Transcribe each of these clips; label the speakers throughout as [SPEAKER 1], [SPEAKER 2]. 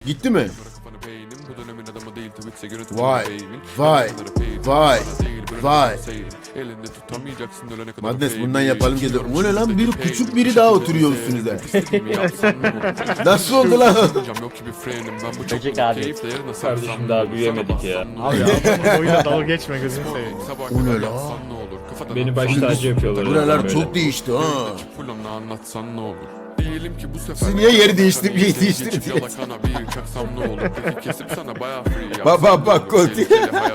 [SPEAKER 1] Gitti mi? Vay. Vay. Vay. Vay. Madness bundan yapalım ki. O ne lan? Bir küçük biri daha oturuyor üstünüze. Nasıl oldu lan?
[SPEAKER 2] Böcek abi.
[SPEAKER 3] Kardeşim daha büyüyemedik ya.
[SPEAKER 4] Abi adamın boyuyla dalga geçme gözünü seveyim.
[SPEAKER 1] O ne lan?
[SPEAKER 3] Beni baş tacı yapıyorlar.
[SPEAKER 1] Buralar
[SPEAKER 3] böyle.
[SPEAKER 1] çok değişti ha.
[SPEAKER 5] Anlatsan ne olur? Diyelim ki bu sefer
[SPEAKER 1] Siz niye yeri değiştirdiniz? Bak, Kolti.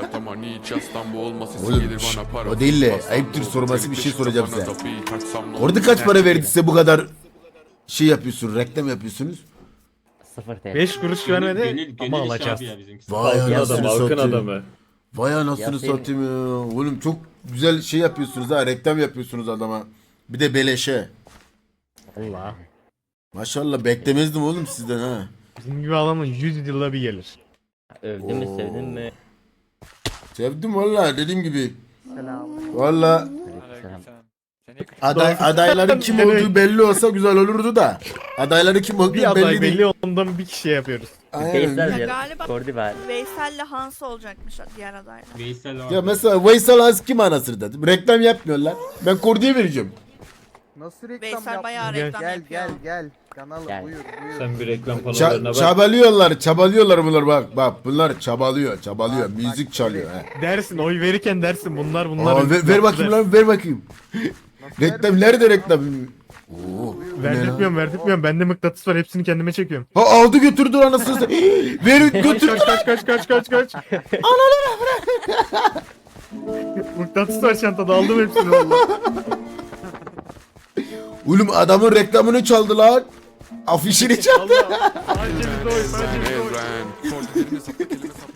[SPEAKER 1] Oğlum şş, o değil de ayıptır sorması bir şey soracağım size. Orada kaç para verdi size bu kadar şey yapıyorsun, reklam yapıyorsunuz?
[SPEAKER 2] 0 TL.
[SPEAKER 4] 5 kuruş vermedi ama
[SPEAKER 6] Gönül
[SPEAKER 4] alacağız.
[SPEAKER 6] işi abi ya bizimkisi.
[SPEAKER 1] Vay
[SPEAKER 3] Halkın
[SPEAKER 1] anasını
[SPEAKER 3] adamı, halkın
[SPEAKER 1] satayım.
[SPEAKER 3] adamı.
[SPEAKER 1] Vay anasını
[SPEAKER 2] Ya senin-
[SPEAKER 1] satayım ya. Oğlum çok güzel şey yapıyorsunuz ha, reklam yapıyorsunuz adama. Bir de beleşe.
[SPEAKER 4] Allah.
[SPEAKER 1] Maşallah beklemezdim oğlum sizden ha.
[SPEAKER 4] Bizim gibi adamın 100 yılda bir gelir.
[SPEAKER 2] Övdün mü sevdin mi?
[SPEAKER 1] Sevdim valla dediğim gibi. Valla
[SPEAKER 2] Aleykümselam.
[SPEAKER 1] adayların kim olduğu belli olsa güzel olurdu da. Adayları kim olduğu
[SPEAKER 4] Bir aday
[SPEAKER 1] belli değil.
[SPEAKER 4] belli ondan bir kişi yapıyoruz.
[SPEAKER 1] Aynen.
[SPEAKER 2] Veysel
[SPEAKER 7] Ya
[SPEAKER 2] diyor.
[SPEAKER 7] galiba
[SPEAKER 2] Kordi var.
[SPEAKER 7] Veysel'le Hans olacakmış diğer adaylar.
[SPEAKER 6] Veysel var.
[SPEAKER 1] Ya mesela Veysel Az kim anasını dedim. Reklam yapmıyorlar. Ben Kordi'ye vereceğim.
[SPEAKER 8] Nasıl reklam
[SPEAKER 7] Veysel bayağı
[SPEAKER 8] yapmıyor?
[SPEAKER 4] Gel,
[SPEAKER 7] reklam
[SPEAKER 8] Gel
[SPEAKER 7] yapıyor.
[SPEAKER 8] gel gel. Kanalım
[SPEAKER 2] Gel.
[SPEAKER 8] buyur buyur.
[SPEAKER 3] Sen bir reklam panolarına bak.
[SPEAKER 1] Çabalıyorlar bunlar bak bunlar çabalıyor
[SPEAKER 8] Bak,
[SPEAKER 1] müzik
[SPEAKER 8] bak,
[SPEAKER 1] çalıyor
[SPEAKER 8] şöyle.
[SPEAKER 1] he.
[SPEAKER 4] Dersin oy verirken dersin bunlar.
[SPEAKER 1] Aa, ver bakayım lan ver bakayım. Reklam nerede reklam? Oo, bu ne lan?
[SPEAKER 4] Verdirtmiyorum. Bende mıknatıs var hepsini kendime çekiyorum.
[SPEAKER 1] Ha aldı götürdü anasını satayım. Ver götürdü.
[SPEAKER 4] Kaç. Ananı bırak. Mıknatıs var çantada aldım hepsini valla.
[SPEAKER 1] Oğlum adamın reklamını çaldı lan. Afişini çaldı.
[SPEAKER 4] Sadece bizde oy.